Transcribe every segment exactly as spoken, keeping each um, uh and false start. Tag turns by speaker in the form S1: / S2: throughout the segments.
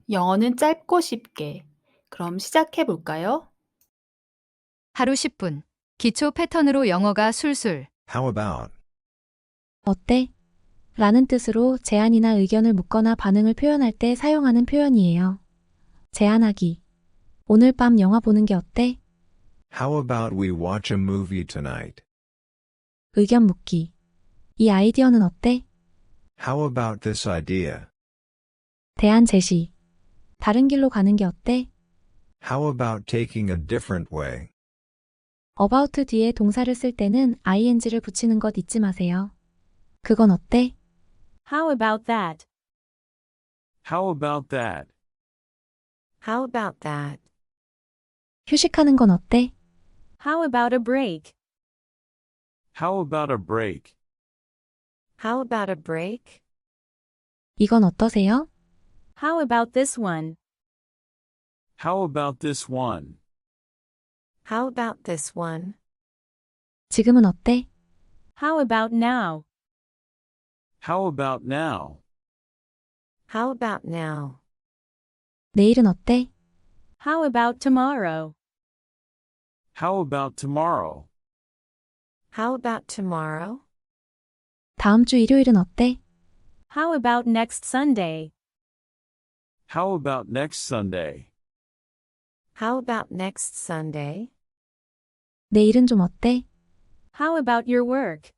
S1: 영어는 짧고 쉽게. 그럼 시작해 볼까요?
S2: 하루 십 분. 기초 패턴으로 영어가 술술.
S3: How about?
S4: 어때? 라는 뜻으로 제안이나 의견을 묻거나 반응을 표현할 때 사용하는 표현이에요. 제안하기. 오늘 밤 영화 보는 게 어때?
S3: How about we watch a movie tonight?
S4: 의견 묻기. 이 아이디어는 어때?
S3: How about this idea?
S4: 대안 제시. 다른 길로 가는 게 어때?
S3: How about taking a different way?
S4: about 뒤에 동사를 쓸 때는 ing를 붙이는 것 잊지 마세요. 그건 어때?
S5: How about that?
S6: How about that?
S5: How about that?
S4: 휴식하는 건 어때?
S5: How about a break?
S6: How about a break?
S5: How about a break?
S4: 이건 어떠세요?
S5: How about this one?
S6: How about this one?
S5: How about this one?
S4: 지금은 어때?
S5: How about now?
S6: How about now?
S5: How about now?
S4: 내일은 어때?
S5: How about tomorrow?
S6: How about tomorrow?
S5: How about tomorrow?
S4: 다음 주 일요일은 어때?
S5: How about next Sunday?
S6: How about next Sunday?
S5: How about next Sunday?
S4: 내일은 좀 어때?
S5: How about your work?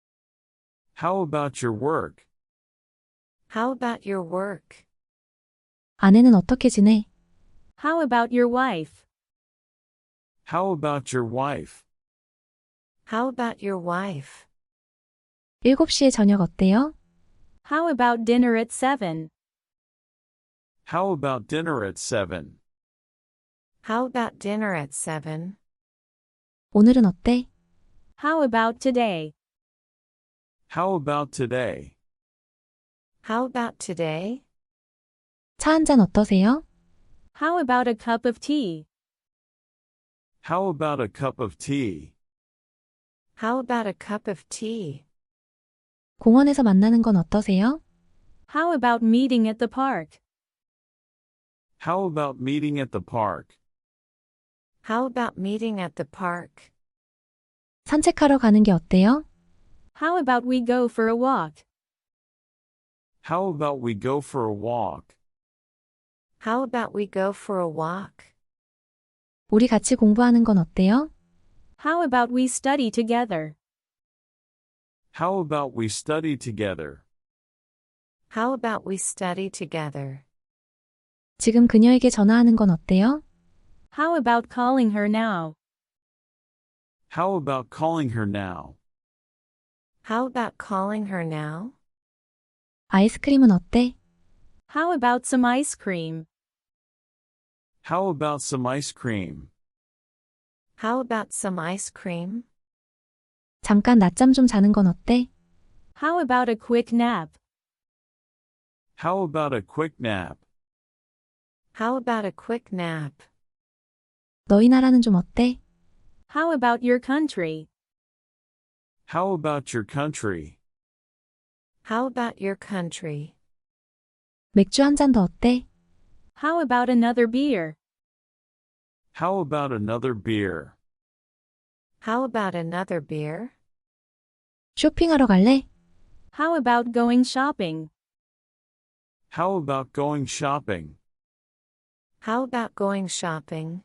S6: How about your work?
S5: How about your work?
S4: 아내는 어떻게 지내?
S5: How about your wife?
S6: How about your wife?
S5: How about your wife?
S4: 일곱 시에 저녁 어때요?
S5: How about dinner at seven?
S6: How about dinner at seven?
S5: How about dinner at seven?
S4: 오늘은 어때?
S5: How about today?
S6: How about today?
S5: How about today?
S4: 차 한 잔 어떠세요?
S5: How about a cup of tea?
S6: How about a cup of tea?
S5: How about a cup of tea?
S4: 공원에서 만나는 건 어떠세요?
S5: How about meeting at the park?
S6: How about meeting at the park?
S5: How about meeting at the park?
S4: 산책하러 가는 게 어때요?
S5: How about we go for a walk?
S6: How about we go for a walk?
S5: How about we go for a walk?
S4: 우리 같이 공부하는 건 어때요?
S5: How about we study together?
S6: How about we study together?
S5: How about we study together?
S4: 지금 그녀에게 전화하는 건 어때요?
S5: How about calling her now?
S6: How about calling her now?
S5: How about calling her now?
S4: 아이스크림은 어때?
S5: How about some ice cream?
S6: How about some ice cream?
S5: How about some ice cream?
S4: 잠깐 낮잠 좀 자는 건 어때?
S5: How about a quick nap?
S6: How about a quick nap?
S5: How about a quick nap?
S4: 너희 나라는 좀 어때?
S5: How about your country?
S6: How about your country?
S5: How about your country?
S4: 맥주 한 잔 더 어때?
S5: How about another beer?
S6: How about another beer?
S5: How about another beer?
S4: 쇼핑하러 갈래?
S5: How about going shopping?
S6: How about going shopping?
S5: How about going shopping?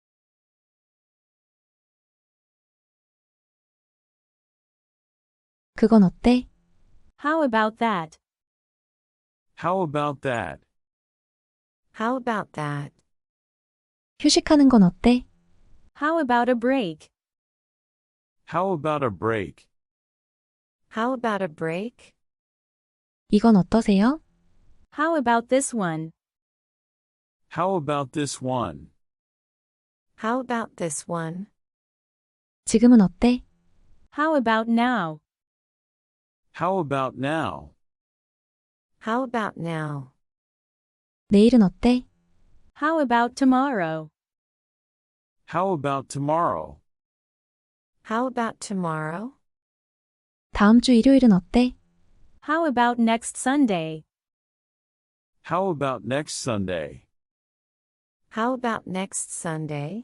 S4: 그건 어때?
S5: How about that?
S6: How about that?
S5: How about that?
S4: 휴식하는 건 어때?
S5: How about a break?
S6: How about a break?
S5: How about a break?
S4: 이건 어떠세요?
S5: How about this one?
S6: How about this one?
S5: How about this one?
S4: 지금은 어때?
S5: How about now?
S6: How about now?
S5: How about now?
S4: 내일은 어때?
S5: How about tomorrow?
S6: How about tomorrow?
S5: How about tomorrow?
S4: 다음 주 일요일은 어때?
S5: How about next Sunday?
S6: How about next Sunday?
S5: How about next Sunday?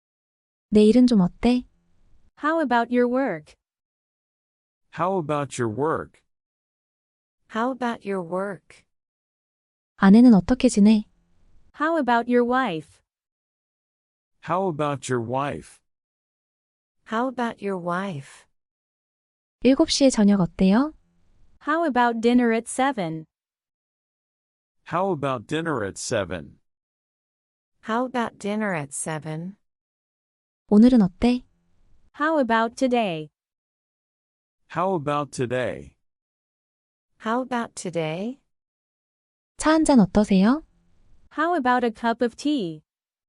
S4: 내일은 좀 어때?
S7: How about your work?
S6: How about your work?
S5: How about your work?
S4: 아내는 어떻게 지내?
S7: How about your wife?
S6: How about your wife?
S5: How about your wife?
S4: 일곱 시에 저녁 어때요?
S7: How about dinner at seven?
S6: How about dinner at seven?
S5: How about dinner at seven?
S4: 오늘은 어때?
S7: How about today?
S6: How about today?
S5: How about today?
S4: 차 한 잔 어떠세요?
S7: How about a cup of tea?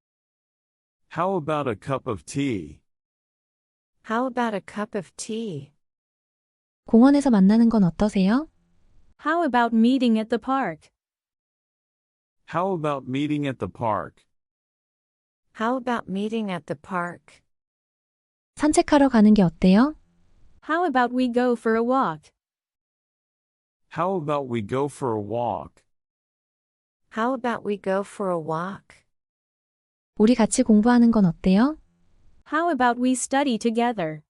S6: How about a cup of tea?
S5: How about a cup of tea?
S4: 공원에서 만나는 건 어떠세요?
S7: How about meeting at the park?
S6: How about meeting at the park?
S5: How about meeting at the park?
S4: 산책하러 가는 게 어때요?
S7: How about we go for a walk?
S6: How about we go for a walk?
S5: How about we go for a walk?
S4: 우리 같이 공부하는 건 어때요?
S7: How about we study together?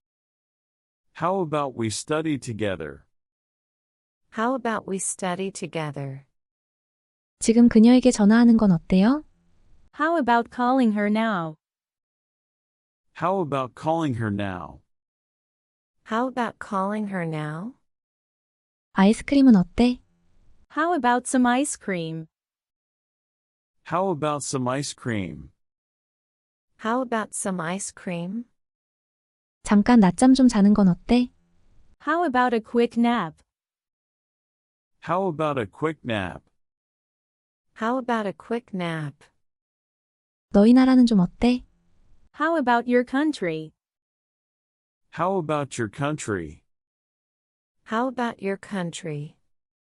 S6: How about we study together?
S5: How about we study together?
S4: 지금 그녀에게 전화하는 건 어때요?
S7: How about calling her now?
S6: How about calling her now?
S5: How about calling her now?
S4: 아이스크림은 어때?
S7: How about some ice cream?
S6: How about some ice cream?
S5: How about some ice cream?
S4: 잠깐 낮잠 좀 자는 건 어때?
S7: How about a quick nap?
S6: How about a quick nap?
S5: How about a quick nap?
S4: 너희 나라는 좀 어때?
S7: How about your country?
S6: How about your country?
S5: How about your country?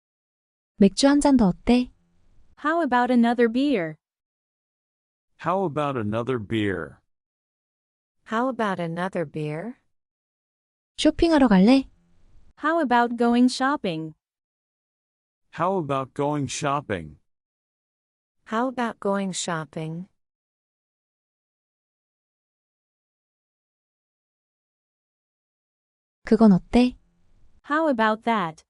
S4: 맥주 한 잔 더 어때?
S7: How about another beer?
S6: How about another beer?
S5: How about another beer?
S4: 쇼핑하러 갈래?
S7: How about going shopping?
S6: How about going shopping?
S5: How about going shopping?
S4: 그건 어때?
S7: How about that?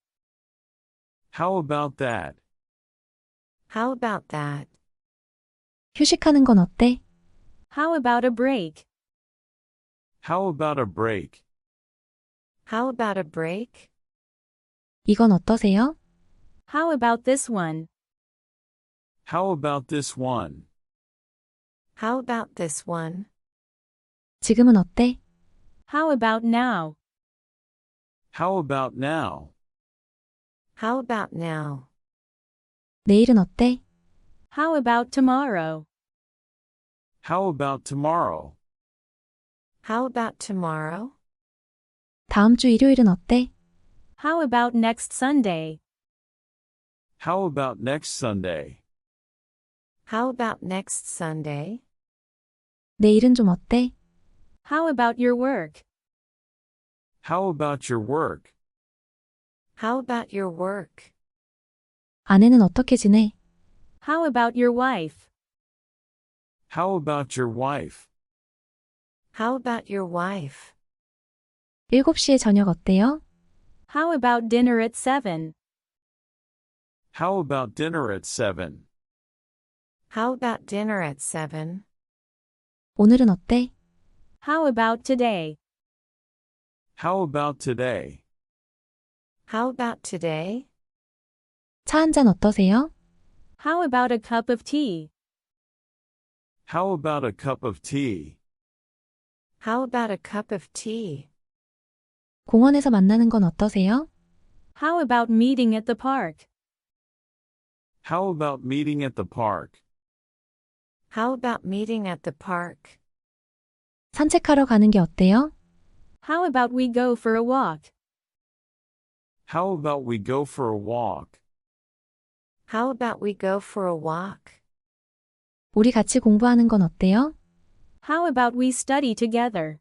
S6: How about that?
S5: How about that?
S4: 휴식하는 건 어때?
S7: How about a break?
S6: How about a break?
S5: How about a break?
S4: 이건 어떠세요?
S7: How about this one?
S6: How about this one?
S5: How about this one?
S4: 지금은 어때?
S7: How about now?
S6: How about now?
S5: How about now?
S4: 내일은 어때?
S7: How about tomorrow?
S6: How about tomorrow?
S5: How about tomorrow?
S4: 다음 주 일요일은 어때?
S7: How about next Sunday?
S6: How about next Sunday?
S5: How about next Sunday?
S4: 내일은 좀 어때?
S7: How about your work?
S6: How about your work?
S5: How about your work?
S4: 아내는 어떻게 지내?
S7: How about your wife?
S6: How about your wife?
S5: How about your wife?
S4: 일곱 시에 저녁 어때요?
S7: How about dinner at seven?
S6: How about dinner at seven?
S5: How about dinner at seven?
S4: 오늘은 어때?
S7: How about today?
S6: How about today?
S5: How about today?
S4: 차 한 잔 어떠세요?
S7: How about a cup of tea?
S6: How about a cup of tea?
S5: How about a cup of tea?
S4: 공원에서 만나는 건 어떠세요?
S7: How about meeting at the park?
S6: How about meeting at the park?
S5: How about meeting at the park?
S4: 산책하러 가는 게 어때요?
S7: How about we go for a walk?
S6: How about we go for a walk?
S5: How about we go for a walk?
S4: 우리 같이 공부하는 건 어때요?
S7: How about we study together?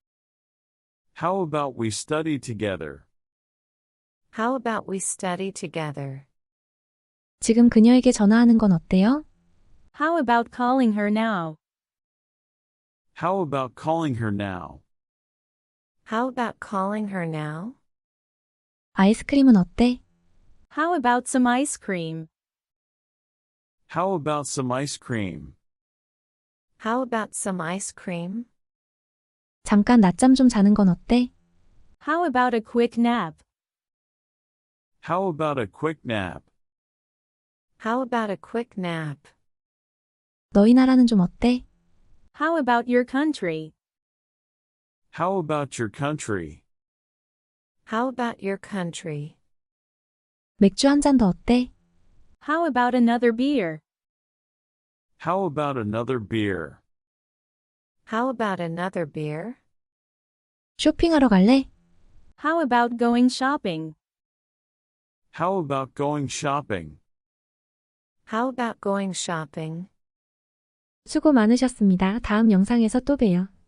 S6: How about we study together?
S5: How about we study together?
S4: 지금 그녀에게 전화하는 건 어때요?
S7: How about calling her now?
S6: How about calling her now?
S5: How about calling her now?
S4: 아이스크림은 어때?
S7: How about some ice cream?
S6: How about some ice cream?
S5: How about some ice cream?
S4: 잠깐 낮잠 좀 자는 건 어때?
S7: How about a quick nap?
S6: How about a quick nap?
S5: How about a quick nap?
S4: 너희 나라는 좀 어때?
S7: How about your country?
S6: How about your country?
S5: How about your country?
S4: 맥주 한 잔 더 어때?
S7: How about another beer?
S6: How about another beer?
S5: How about another beer?
S4: 쇼핑하러 갈래?
S7: How about going shopping?
S6: How about going shopping?
S5: How about going shopping?
S4: 수고 많으셨습니다. 다음 영상에서 또 봬요.